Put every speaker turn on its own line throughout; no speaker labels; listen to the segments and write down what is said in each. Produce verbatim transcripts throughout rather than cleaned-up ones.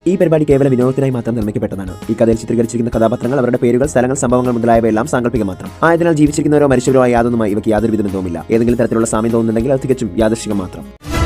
ഈ പരിപാടി കേവല വിനോദത്തിനായി മാത്രം നിർമ്മിക്കപ്പെട്ടതാണ്. ഈ കഥയിൽ ചിത്രീകരിച്ചിരിക്കുന്ന കഥാപാത്രങ്ങൾ, അവരുടെ പേരുകൾ, സ്ഥലങ്ങൾ, സംഭവങ്ങൾ മുതലായവയെല്ലാം സാങ്കല്പികം മാത്രം ആയതിനാൽ ജീവിച്ചിരിക്കുന്നവരോ മരിച്ചവരോ ആയ യാതൊന്നുമായി ഇവയ്ക്ക് യാതൊരു വിധ ബന്ധവുമില്ല. ഏതെങ്കിലും തരത്തിലുള്ള സാമ്യം തോന്നുന്നുണ്ടെങ്കിൽ അത് തികച്ചും യാദൃശ്ചികം മാത്രം.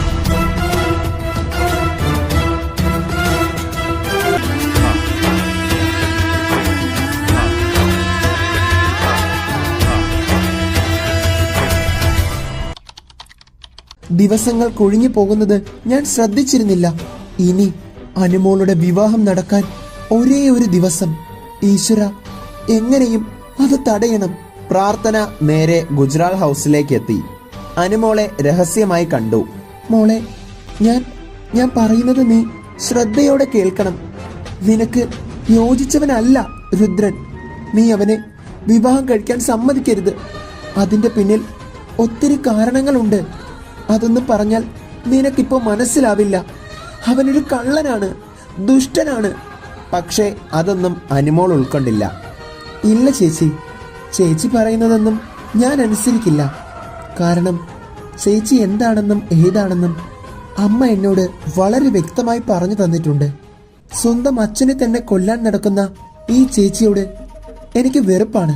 ദിവസങ്ങൾ കൊഴിഞ്ഞു പോകുന്നത് ഞാൻ ശ്രദ്ധിച്ചിരുന്നില്ല. ഇനി അനുമോളുടെ വിവാഹം നടക്കാൻ ഒരേ ഒരു ദിവസം. ഈശ്വര, എങ്ങനെയും അത് തടയണം. പ്രാർത്ഥന നേരെ ഗുജറാൾ ഹൗസിലേക്ക് എത്തി. അനുമോളെ രഹസ്യമായി കണ്ടു. മോളെ, ഞാൻ ഞാൻ പറയുന്നത് നീ ശ്രദ്ധയോടെ കേൾക്കണം. നിനക്ക് യോജിച്ചവനല്ല രുദ്രൻ. നീ അവനെ വിവാഹം കഴിക്കാൻ സമ്മതിക്കരുത്. അതിന്റെ പിന്നിൽ ഒത്തിരി കാരണങ്ങളുണ്ട്. അതൊന്നും പറഞ്ഞാൽ നിനക്കിപ്പോ മനസ്സിലാവില്ല. അവനൊരു കള്ളനാണ്, ദുഷ്ടനാണ്. പക്ഷേ അതൊന്നും അനുമോൾ ഉൾക്കൊണ്ടില്ല. ഇല്ല ചേച്ചി, ചേച്ചി പറയുന്നതൊന്നും ഞാൻ അനുസരിക്കില്ല. കാരണം ചേച്ചി എന്താണെന്നും ഏതാണെന്നും അമ്മ എന്നോട് വളരെ വ്യക്തമായി പറഞ്ഞു തന്നിട്ടുണ്ട്. സ്വന്തം അച്ഛനെ തന്നെ കൊല്ലാൻ നടക്കുന്ന ഈ ചേച്ചിയോട് എനിക്ക് വെറുപ്പാണ്.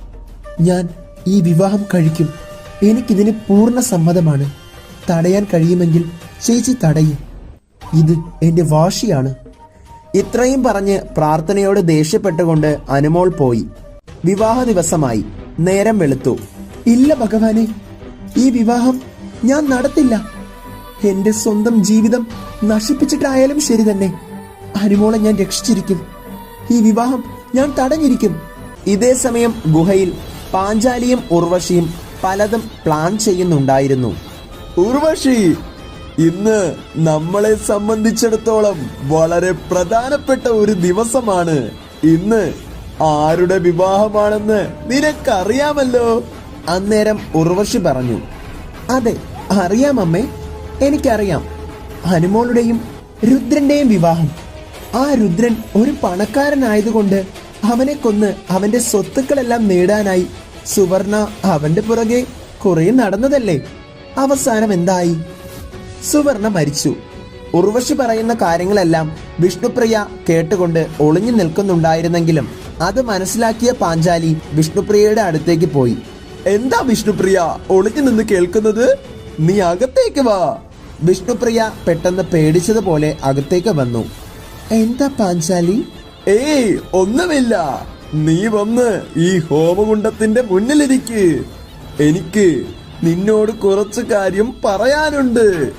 ഞാൻ ഈ വിവാഹം കഴിക്കും. എനിക്കിതിന് പൂർണ്ണ സമ്മതമാണ്. തടയാൻ കഴിയുമെങ്കിൽ ചേച്ചി തടയും. ഇത് എന്റെ വാശിയാണ്. ഇത്രയും പറഞ്ഞ് പ്രാർത്ഥനയോട് ദേഷ്യപ്പെട്ടുകൊണ്ട് അനുമോൾ പോയി. വിവാഹ ദിവസമായി. നേരം വെളുത്തു. ഇല്ല ഭഗവാനെ, ഈ വിവാഹം ഞാൻ നടത്തില്ല. എന്റെ സ്വന്തം ജീവിതം നശിപ്പിച്ചിട്ടായാലും ശരി തന്നെ അനുമോളെ ഞാൻ രക്ഷിച്ചിരിക്കും. ഈ വിവാഹം ഞാൻ തടഞ്ഞിരിക്കും. ഇതേ സമയം ഗുഹയിൽ പാഞ്ചാലിയും ഉർവശിയും പലതും പ്ലാൻ ചെയ്യുന്നുണ്ടായിരുന്നു.
ഉർവശി, ഇന്ന് നമ്മളെ സംബന്ധിച്ചിടത്തോളം വളരെ പ്രധാനപ്പെട്ട ഒരു ദിവസമാണ്. ഇന്ന് ആരുടെ വിവാഹമാണെന്ന് നിനക്കറിയാമല്ലോ.
അന്നേരം ഉർവശി പറഞ്ഞു. അതെ, അറിയാം അമ്മേ, എനിക്കറിയാം. അനുമോളുടെയും രുദ്രന്റെയും വിവാഹം. ആ രുദ്രൻ ഒരു പണക്കാരനായതുകൊണ്ട് അവനെ കൊന്ന് അവന്റെ സ്വത്തുക്കളെല്ലാം നേടാനായി സുവർണ അവന്റെ പുറകെ കുറെ നടന്നതല്ലേ. അവസാനം എന്തായി? സുവർണ മരിച്ചു. ഉർവശി പറയുന്ന കാര്യങ്ങളെല്ലാം വിഷ്ണുപ്രിയ കേട്ടുകൊണ്ട് ഒളിഞ്ഞു നിൽക്കുന്നുണ്ടായിരുന്നെങ്കിലും അത് മനസ്സിലാക്കിയ പാഞ്ചാലി വിഷ്ണുപ്രിയയുടെ അടുത്തേക്ക് പോയി.
എന്താ വിഷ്ണുപ്രിയ ഒളിഞ്ഞു നിന്ന് കേൾക്കുന്നത്? നീ അകത്തേക്ക് വാ.
വിഷ്ണുപ്രിയ പെട്ടെന്ന് പേടിച്ചതുപോലെ അകത്തേക്ക് വന്നു. എന്താ പാഞ്ചാലി?
ഏയ്, ഒന്നുമില്ല. നീ വന്ന് ഈ ഹോമകുണ്ടത്തിന്റെ മുന്നിലിരിക്ക്. എനിക്ക് നിന്നോട് കുറച്ച് കാര്യം പറയാനുണ്ട്.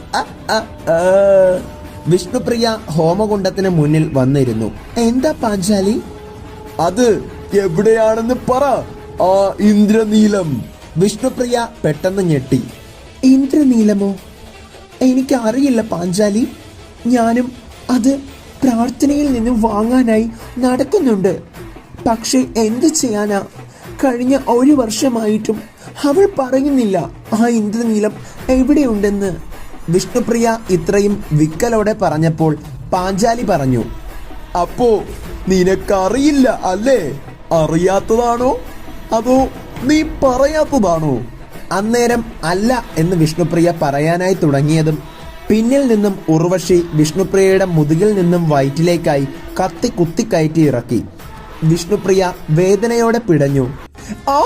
വിഷ്ണുപ്രിയ ഹോമകുണ്ടത്തിന് മുന്നിൽ വന്നിരുന്നു. എന്താ പാഞ്ചാലി?
അത് എവിടെയാണെന്ന് പറ. ആ ഇന്ദ്രനീലം.
വിഷ്ണുപ്രിയ പെട്ടെന്ന് ഞെട്ടി. ഇന്ദ്രനീലമോ? എനിക്ക് അറിയില്ല പാഞ്ചാലി. ഞാനും അത് പ്രാർത്ഥനയിൽ നിന്നും വാങ്ങാനായി നടക്കുന്നുണ്ട്. പക്ഷെ എന്ത് ചെയ്യാനാ? കഴിഞ്ഞ ഒരു വർഷമായിട്ടും അവൾ പറയുന്നില്ല ആ ഇന്ദ്രനീലം എവിടെയുണ്ടെന്ന്. വിഷ്ണുപ്രിയ ഇത്രയും വിക്കലോടെ പറഞ്ഞപ്പോൾ പാഞ്ചാലി പറഞ്ഞു.
അപ്പോ നിനക്കറിയില്ല അല്ലേ? അറിയാത്തതാണോ അതോ നീ പറയാത്തതാണോ?
അന്നേരം അല്ല എന്ന് വിഷ്ണുപ്രിയ പറയാനായി തുടങ്ങിയതും പിന്നിൽ നിന്നും ഉർവശി വിഷ്ണുപ്രിയയുടെ മുതുകിൽ നിന്നും വയറ്റിലേക്കായി കത്തി കുത്തിക്കയറ്റി ഇറക്കി. വിഷ്ണുപ്രിയ വേദനയോടെ പിടഞ്ഞു. ആ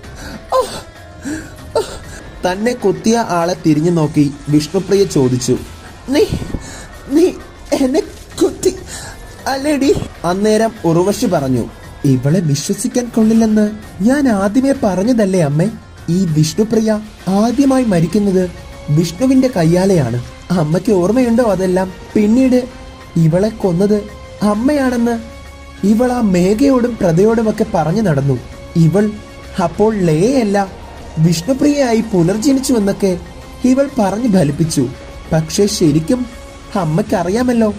തന്നെ കുത്തിയ ആളെ തിരിഞ്ഞു നോക്കി വിഷ്ണുപ്രിയ ചോദിച്ചു. നീ നീ എന്നെ കുത്തി അല്ലേടി? അന്നേരം ഉർവശി പറഞ്ഞു. ഇവളെ വിശ്വസിക്കാൻ കൊള്ളില്ലെന്ന് ഞാൻ ആദ്യമേ പറഞ്ഞതല്ലേ അമ്മേ. ഈ വിഷ്ണുപ്രിയ ആദ്യമായി മരിക്കുന്നത് വിഷ്ണുവിന്റെ കയ്യാലെയാണ്. അമ്മയ്ക്ക് ഓർമ്മയുണ്ടോ അതെല്ലാം? പിന്നീട് ഇവളെ കൊന്നത് അമ്മയാണെന്ന് ഇവൾ ആ മേഘയോടും പ്രതയോടുമൊക്കെ പറഞ്ഞു നടന്നു. ഇവൾ അപ്പോൾ ലയയല്ല വിഷ്ണുപ്രിയയായി പുനർജനിച്ചുവെന്നൊക്കെ ഇവൾ പറഞ്ഞു ഫലിപ്പിച്ചു. പക്ഷെ ശരിക്കും അമ്മയ്ക്കറിയാമല്ലോ,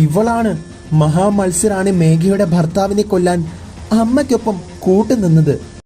ഇവളാണ് മഹാമത്സരാണി മേഘയുടെ ഭർത്താവിനെ കൊല്ലാൻ അമ്മയ്ക്കൊപ്പം കൂട്ടുനിന്നത്.